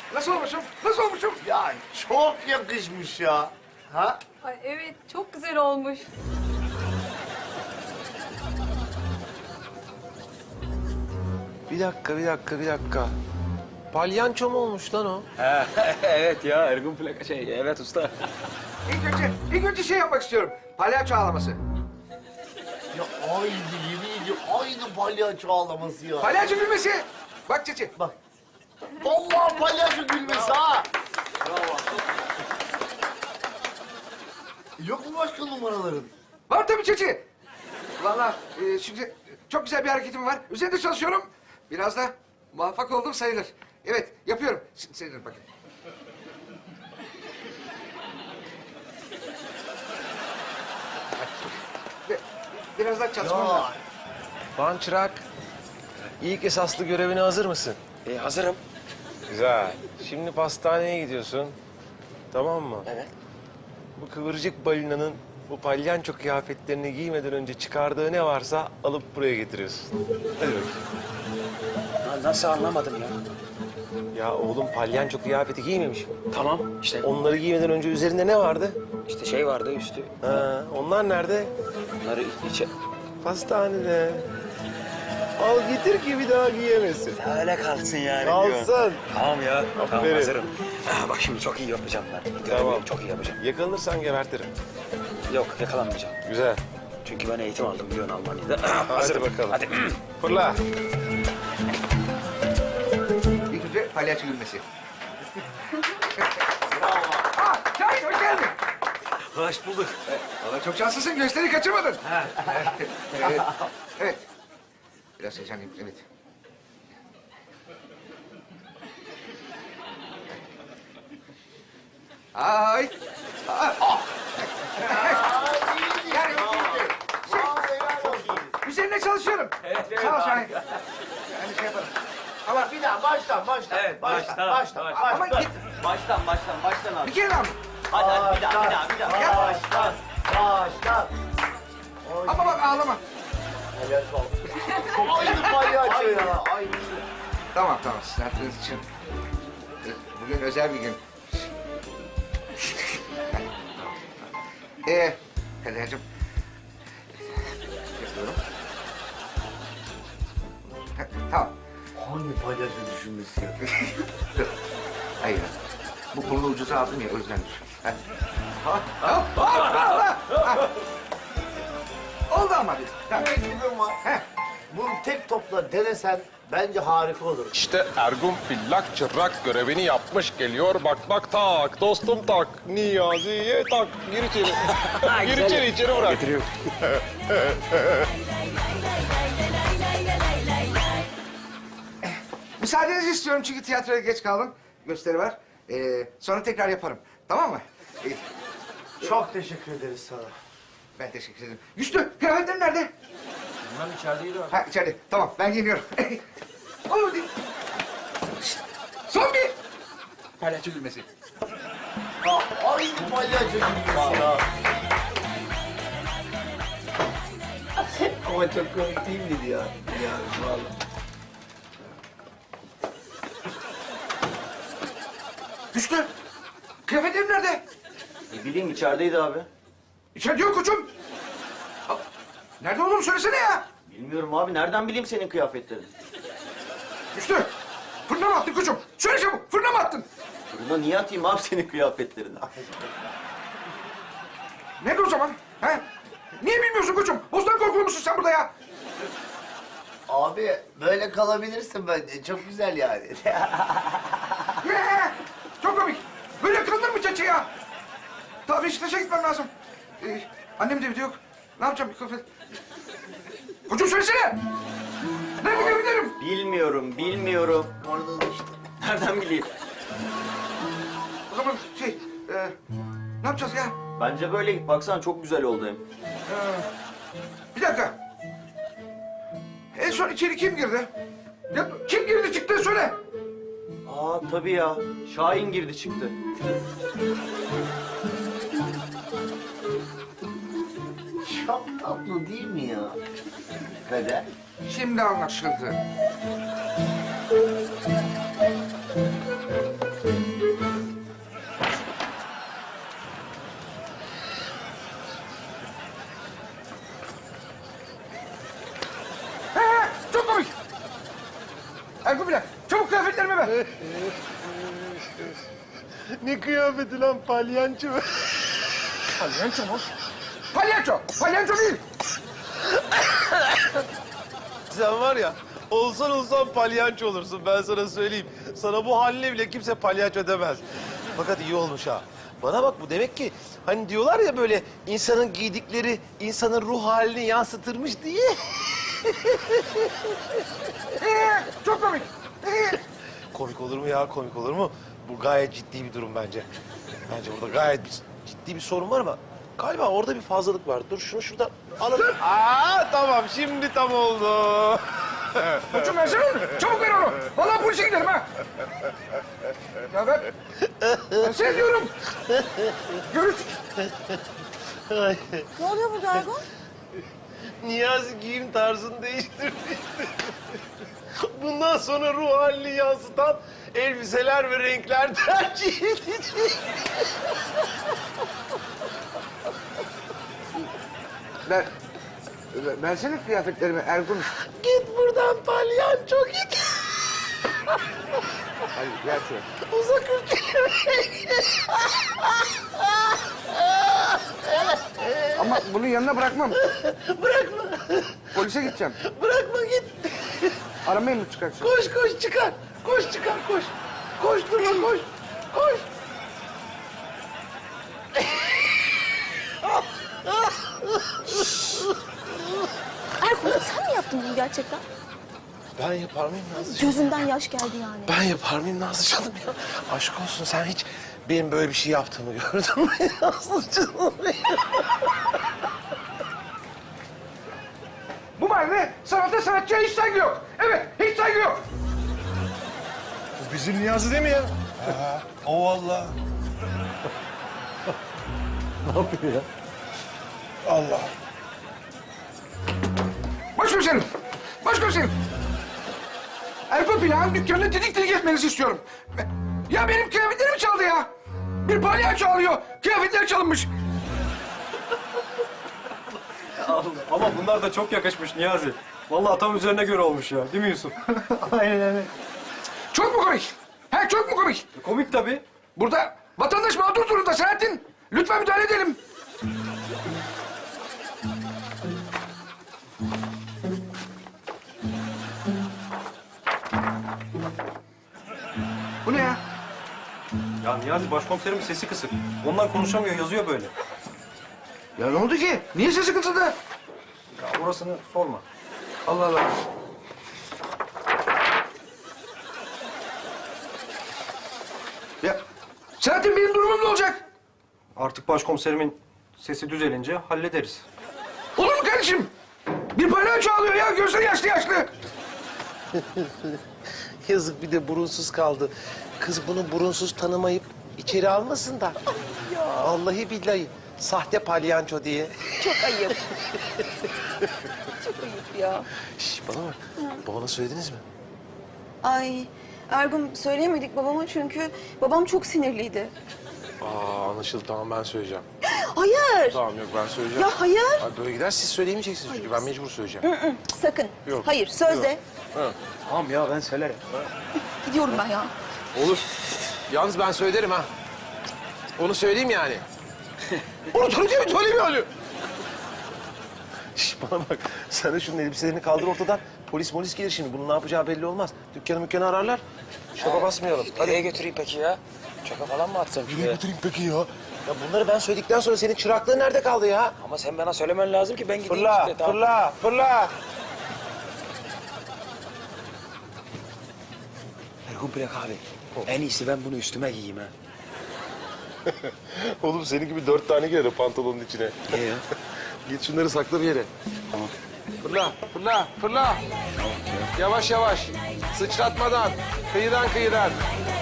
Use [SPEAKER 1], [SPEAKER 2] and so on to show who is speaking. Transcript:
[SPEAKER 1] Nasıl olmuşum? Nasıl olmuşum?
[SPEAKER 2] Ya çok yakışmış ya. Ha?
[SPEAKER 3] Ay evet, çok güzel olmuş.
[SPEAKER 4] Bir dakika. Palyanço mu olmuş lan o?
[SPEAKER 5] Evet ya Ergun plaka evet usta.
[SPEAKER 1] İlk önce şey yapmak istiyorum. Palyaço ağlaması.
[SPEAKER 2] Ya aynı, yemin ediyorum aynı palyaço ağlaması ya.
[SPEAKER 1] Palyaço gülmesi. Bak Çeçi.
[SPEAKER 2] Bak. Vallahi palyaço gülmesi ha. Yok mu başka numaraların?
[SPEAKER 1] Var tabii Çeçi. Vallahi şimdi çok güzel bir hareketim var. Üzerinde çalışıyorum. Biraz da muvaffak oldum sayılır. Evet, yapıyorum. Şimdi seyredin bakın. Biraz daha çalışmam
[SPEAKER 2] Ya.
[SPEAKER 1] lazım.
[SPEAKER 4] Lan çırak. İlk esaslı görevine hazır mısın?
[SPEAKER 5] Hazırım.
[SPEAKER 4] Güzel. Şimdi pastaneye gidiyorsun. Tamam mı?
[SPEAKER 5] Evet.
[SPEAKER 4] Bu kıvırcık balinanın bu palyanço kıyafetlerini giymeden önce çıkardığı ne varsa alıp buraya getiriyorsun. Hadi bakayım.
[SPEAKER 5] Nasıl anlamadım ya?
[SPEAKER 4] Ya oğlum palyanço kıyafeti giymemiş mi?
[SPEAKER 5] Tamam işte
[SPEAKER 4] Onları giymeden önce üzerinde ne vardı?
[SPEAKER 5] işte şey vardı üstü.
[SPEAKER 4] Ha, onlar nerede?
[SPEAKER 5] Bunları içe...
[SPEAKER 4] Pastanede. Al getir ki bir daha giyemesin.
[SPEAKER 5] Öyle kalsın yani.
[SPEAKER 4] Kalsın.
[SPEAKER 5] Tamam ya. Tamam
[SPEAKER 4] Aferin.
[SPEAKER 5] hazırım. Bak şimdi çok iyi yapacağım ben.
[SPEAKER 4] Tamam.
[SPEAKER 5] Çok iyi yapacağım.
[SPEAKER 4] Yakalanırsan gebertirim.
[SPEAKER 5] Yok yakalanmayacağım.
[SPEAKER 4] Güzel.
[SPEAKER 5] Çünkü ben eğitim aldım biliyorsun Almanya'da.
[SPEAKER 4] Hadi bakalım.
[SPEAKER 5] Hadi.
[SPEAKER 4] Fırla.
[SPEAKER 1] İlk önce palyaço gülmesi. Aa, Şahin hoş geldin.
[SPEAKER 5] Hoş bulduk.
[SPEAKER 1] Valla çok şanslısın, gösteri kaçırmadın. Evet. Evet. Biraz heyecanlıyım, evet. Ay. Yani, üzerine çalışıyorum.
[SPEAKER 5] Evet,
[SPEAKER 1] Sağ ol Şahin. Yani şey yaparım. Ama
[SPEAKER 2] Bir daha baştan.
[SPEAKER 5] Evet,
[SPEAKER 2] baştan.
[SPEAKER 1] ama git.
[SPEAKER 5] Baştan abi.
[SPEAKER 1] Bir kere daha mı?
[SPEAKER 5] Hadi bir daha.
[SPEAKER 2] Baştan.
[SPEAKER 1] Ama bak ağlama.
[SPEAKER 2] Aynı palyaço ya. Aynı.
[SPEAKER 1] Tamam. Sizin hatırınız için. Bugün özel bir gün. Kadercığım. Yapıyorum. Tamam.
[SPEAKER 2] Hangi palyaço düşünmesi ya?
[SPEAKER 1] Dur. Hayır. Bu kurulu ucuza aldım ya, o yüzden düşün. Oldu ama bir. Tamam.
[SPEAKER 2] Ekibim var.
[SPEAKER 1] Heh.
[SPEAKER 2] Bunu tek topla denesen bence harika olur.
[SPEAKER 4] İşte Ergun Pillak çırak görevini yapmış geliyor. Bak tak dostum tak. Niyazi'ye tak. Gir içeri. Gir içeri bırak.
[SPEAKER 5] Getiriyorum.
[SPEAKER 1] Müsaadenizi istiyorum çünkü tiyatroya geç kaldım. Gösteri var. Sonra tekrar yaparım. Tamam mı?
[SPEAKER 2] Çok teşekkür ederiz sana.
[SPEAKER 1] Ben teşekkür ederim. Güçlü, kıyafetlerin nerede?
[SPEAKER 5] Bilmem içerideydi abi.
[SPEAKER 1] Ha içeride. Tamam, ben geliyorum. Olur değil. Son bir. Palyaço gülmesi.
[SPEAKER 2] Aynı palyaço düşünmesi ya. Ama çok komik değil miydi ya? Ya vallahi.
[SPEAKER 1] Güçlü, kıyafetlerim nerede?
[SPEAKER 5] Ne bileyim içerideydi abi.
[SPEAKER 1] İçeride yok koçum. Ha, nerede olduğunu söylesene ya.
[SPEAKER 5] Bilmiyorum abi nereden bileyim senin kıyafetlerini?
[SPEAKER 1] Güçlü, fırına mı attın koçum? Söyle çabuk, fırına mı attın?
[SPEAKER 5] Fırına niye atayım abi senin kıyafetlerini?
[SPEAKER 1] Nerede o zaman? Ha? Niye bilmiyorsun koçum? Bostan korkulu musun sen burada ya?
[SPEAKER 2] Abi böyle kalabilirsin bence. Çok güzel yani.
[SPEAKER 1] Çok komik. Böyle kırılır mı çeçe ya? Tabii Beşiktaş'a gitmem lazım. Annem de evde yok. Ne yapacağım bir kıyafet? Koçum söylesene. Nerede kıyafetlerim?
[SPEAKER 5] Bilmiyorum.
[SPEAKER 2] Orada da işte.
[SPEAKER 5] Nereden bileyim?
[SPEAKER 1] O zaman ne yapacağız ya?
[SPEAKER 5] Bence böyle git baksana çok güzel oldu hem.
[SPEAKER 1] Bir dakika. En son içeri kim girdi? Ya, kim girdi çıktı söyle.
[SPEAKER 5] Aa tabii ya. Şahin girdi çıktı.
[SPEAKER 2] Çok tatlı değil mi ya? Kader.
[SPEAKER 1] Şimdi anlaşıldı.
[SPEAKER 4] Ne kıyafeti lan palyanço?
[SPEAKER 1] Palyanço mu? Palyanço! Palyanço değil!
[SPEAKER 4] Sen var ya, olsan palyanço olursun ben sana söyleyeyim. Sana bu haline bile kimse palyanço demez. Fakat iyi olmuş ha. Bana bak bu demek ki hani diyorlar ya böyle insanın giydikleri insanın ruh halini yansıtırmış diye.
[SPEAKER 1] Çok komik.
[SPEAKER 4] Komik olur mu ya, komik olur mu? Bu gayet ciddi bir durum bence. Bence burada gayet ciddi bir sorun var ama galiba orada bir fazlalık var. Dur şunu şuradan alalım. Tamam şimdi tam oldu.
[SPEAKER 1] Koçum versene onu. Çabuk ver onu. Vallahi polise giderim ha. Ya ver. Ben seni diyorum. Görüş.
[SPEAKER 3] Ne oluyor burada Ergun?
[SPEAKER 4] Niyazi giyim tarzını değiştirdi. Bundan sonra ruh halini yansıtan elbiseler ve renkler tercih edecek.
[SPEAKER 1] Versene kıyafetlerimi Ergun.
[SPEAKER 4] Git buradan palyanço git.
[SPEAKER 1] Hadi ver şunu.
[SPEAKER 4] Uzak ülkelere.
[SPEAKER 1] Ama bunu yanına bırakmam.
[SPEAKER 4] Bırakma.
[SPEAKER 1] Polise gideceğim.
[SPEAKER 4] Bırakma git.
[SPEAKER 1] Aramayı mı çıkarsın?
[SPEAKER 4] Koş çıkar. Koş çıkar koş. Koş durma koş. Koş.
[SPEAKER 3] Ergun sen mi yaptın bunu gerçekten?
[SPEAKER 4] Ben yapar mıyım Nazlıcığım?
[SPEAKER 3] Gözünden yaş geldi yani.
[SPEAKER 4] Ben yapar mıyım Nazlıcığım ya? Aşk olsun sen hiç benim böyle bir şey yaptığımı gördün mü Nazlıcığım?
[SPEAKER 1] Bu mahallede sanata sanatçıya hiç saygı yok. Evet, hiç saygı yok.
[SPEAKER 4] Bu bizim Niyazi değil mi ya? O vallahi.
[SPEAKER 5] Ne yapıyor ya?
[SPEAKER 4] Allah.
[SPEAKER 1] Başkomiserim. Başkomiserim. Ergun Plak'ın dükkanını didik didik etmenizi istiyorum. Ya benim kıyafetlerimi çaldı ya. Bir palyaço alıyor. Kıyafetler çalınmış.
[SPEAKER 5] Ama bunlar da çok yakışmış Niyazi. Vallahi tam üzerine göre olmuş ya. Değil mi Yusuf? Aynen öyle.
[SPEAKER 1] Çok mu komik? He çok mu komik?
[SPEAKER 5] Komik tabii.
[SPEAKER 1] Burada vatandaş mağdur durumda Selahattin. Lütfen müdahale edelim. Bu ne ya?
[SPEAKER 5] Ya Niyazi başkomiserimin sesi kısık. Ondan konuşamıyor, yazıyor böyle.
[SPEAKER 1] Ya ne oldu ki? Niye sesi kısıldı?
[SPEAKER 5] Ya orasını sorma.
[SPEAKER 1] Allah Allah. Ya Selahattin benim durumum ne olacak?
[SPEAKER 5] Artık başkomiserimin sesi düzelince hallederiz.
[SPEAKER 1] Olur mu kardeşim? Bir palyaço alıyor ya, gözleri yaşlı yaşlı.
[SPEAKER 4] Yazık bir de burunsuz kaldı. Kız bunu burunsuz tanımayıp içeri almasın da. Vallahi billahi sahte palyanço diye.
[SPEAKER 3] Çok ayıp. Çok ayıp ya.
[SPEAKER 4] Şş, bana bak. Babana söylediniz mi?
[SPEAKER 6] Ay Ergun söyleyemedik babama çünkü babam çok sinirliydi.
[SPEAKER 4] Anlaşıldı. Tamam ben söyleyeceğim.
[SPEAKER 6] Hayır.
[SPEAKER 4] Tamam yok ben söyleyeceğim.
[SPEAKER 6] Ya hayır.
[SPEAKER 4] Abi böyle gider siz söyleyemeyeceksiniz çünkü ben mecbur söyleyeceğim.
[SPEAKER 6] Sakın.
[SPEAKER 4] Yok.
[SPEAKER 6] Hayır sözde.
[SPEAKER 4] Yok.
[SPEAKER 5] Tamam ya ben söylerim.
[SPEAKER 6] Gidiyorum ben ya.
[SPEAKER 4] Olur. Yalnız ben söylerim ha. Onu söyleyeyim yani. Onu söyleyeyim yani. Şş, bana bak. Sen de şunun elbiselerini kaldır ortadan. Polis gelir şimdi. Bunun ne yapacağı belli olmaz. Dükkanı ararlar. Şaka basmayalım.
[SPEAKER 7] Nereye götüreyim peki ya? Çaka falan mı atsam
[SPEAKER 4] Nereye
[SPEAKER 7] şuraya?
[SPEAKER 4] götüreyim peki ya? Ya bunları ben söyledikten sonra senin çıraklığın nerede kaldı ya?
[SPEAKER 7] Ama sen bana söylemen lazım ki ben gideyim
[SPEAKER 4] Fırla,
[SPEAKER 7] işte. Tamam.
[SPEAKER 4] fırla.
[SPEAKER 7] Ergun Plak abi. En iyisi ben bunu üstüme giyeyim ha.
[SPEAKER 4] Oğlum senin gibi 4 tane girer o pantolonun içine.
[SPEAKER 7] Ne ya?
[SPEAKER 4] Git şunları sakla bir yere.
[SPEAKER 7] Tamam.
[SPEAKER 4] Fırla. Yavaş. Sıçratmadan. Kıyıdan.